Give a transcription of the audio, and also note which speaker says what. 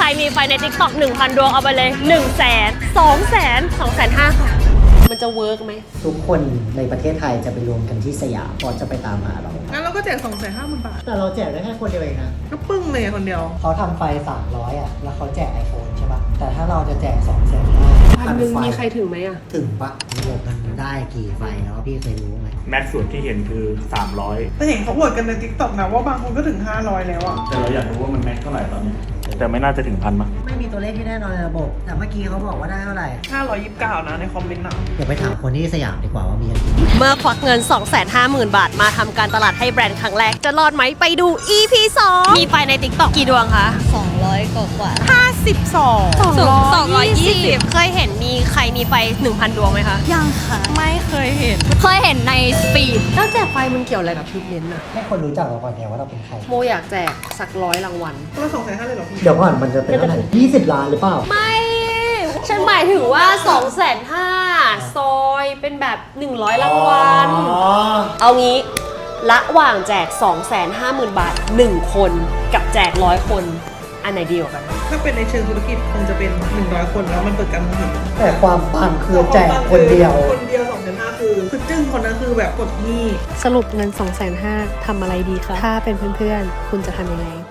Speaker 1: มีไฟใน TikTok 1,000 ดวงเอาไปเลย 100,000 200,000 250,000 ค่ะมันจะเวิร์กไหม
Speaker 2: ทุกคนในประเทศไทยจะไปรวมกันที่สยามเพราะจะไปตามหาเรา
Speaker 3: งั้นเราก็แจก 250,000 บาท
Speaker 2: แต่เราแจกได้แค่คนเดียวเองนะ
Speaker 3: ก็ปึ้งเลยคนเดียว
Speaker 2: เขาทำไฟ300อ่ะแล้วเขาแจก iPhone ใช่ปะแต่ถ้าเราจะแจก250,000
Speaker 1: พันหนึ่งมีใครถึงไหมอะ
Speaker 2: ถึงปะระบบมันได้กี่ไฟแล้วพี่เคยรู้ไหม
Speaker 4: แม็กซ์สุดที่เห็นคือ300
Speaker 3: แต่เห็นเขาอวดกันใน TikTok นะว่าบางคนก็ถึง500แล้วอ่ะ
Speaker 4: แต่เราอยากรู้ว่ามันแม็กซ์เท่าไหร่ตอนนี้แต่ไม่น่าจะถึง1,000มั้ง
Speaker 2: ไม่มีตัวเลขที่แน่นอนในระบบแต่เมื่อกี้เขาบอกว่าได้เท่าไหร่
Speaker 3: 529นะในคอมเมนต์นะ
Speaker 2: เดี๋ยวไปถามคนที่สยามดีกว่าว่ามีกันกี่
Speaker 1: เมื่อควักเงิน 250,000 บาทมาทำการตลาดให้แบรนด์ครั้งแรกจะรอดไหมไปดู EP 2 มีไฟใน TikTok กี่ดวงคะ
Speaker 5: 200 กว่า
Speaker 1: 220 เคยเห็นมีใครมีไฟ 1,000 ดวงไหมคะ
Speaker 5: ยังค่ะ
Speaker 1: ไม่เคยเห็น
Speaker 5: เคยเห็นในสปีด
Speaker 1: แล้วแจกไฟมันเกี่ยวอะไรกับทริปเน้นอะ
Speaker 2: ให้คนรู้จักเราก่อนเนี่ยว่าเราเป็นใคร
Speaker 1: โมอยากแจกสัก100 รางวัล
Speaker 3: เรา250,000เลยเหรอพี่
Speaker 2: เดี๋ยวก่อนมันจะเป็นเท่าไหร่20 ล้านหรือเปล่า
Speaker 1: ไม่ ฉันหมายถึงว่า 250,000 ซอยเป็นแบบ 100 รางวัล เอางี้ ระหว่างแจก 250,000 บาท 1 คนกับแจก100 คน อันไหนดีกว่ากัน
Speaker 3: ถ้าเป็นในเชิงธุรกิจคงจะเป็น100 คนแล้วมันเปิดการมองเห็น
Speaker 2: แต่ความปังคือแจกคนเดียว
Speaker 3: คนเดียว250,000คือจึ้งคนนั้นคือแบบกดหนี้
Speaker 1: สรุปเงิน 250,000 ทำอะไรดีคะ ถ้าเป็นเพื่อนๆ คุณจะทำยังไง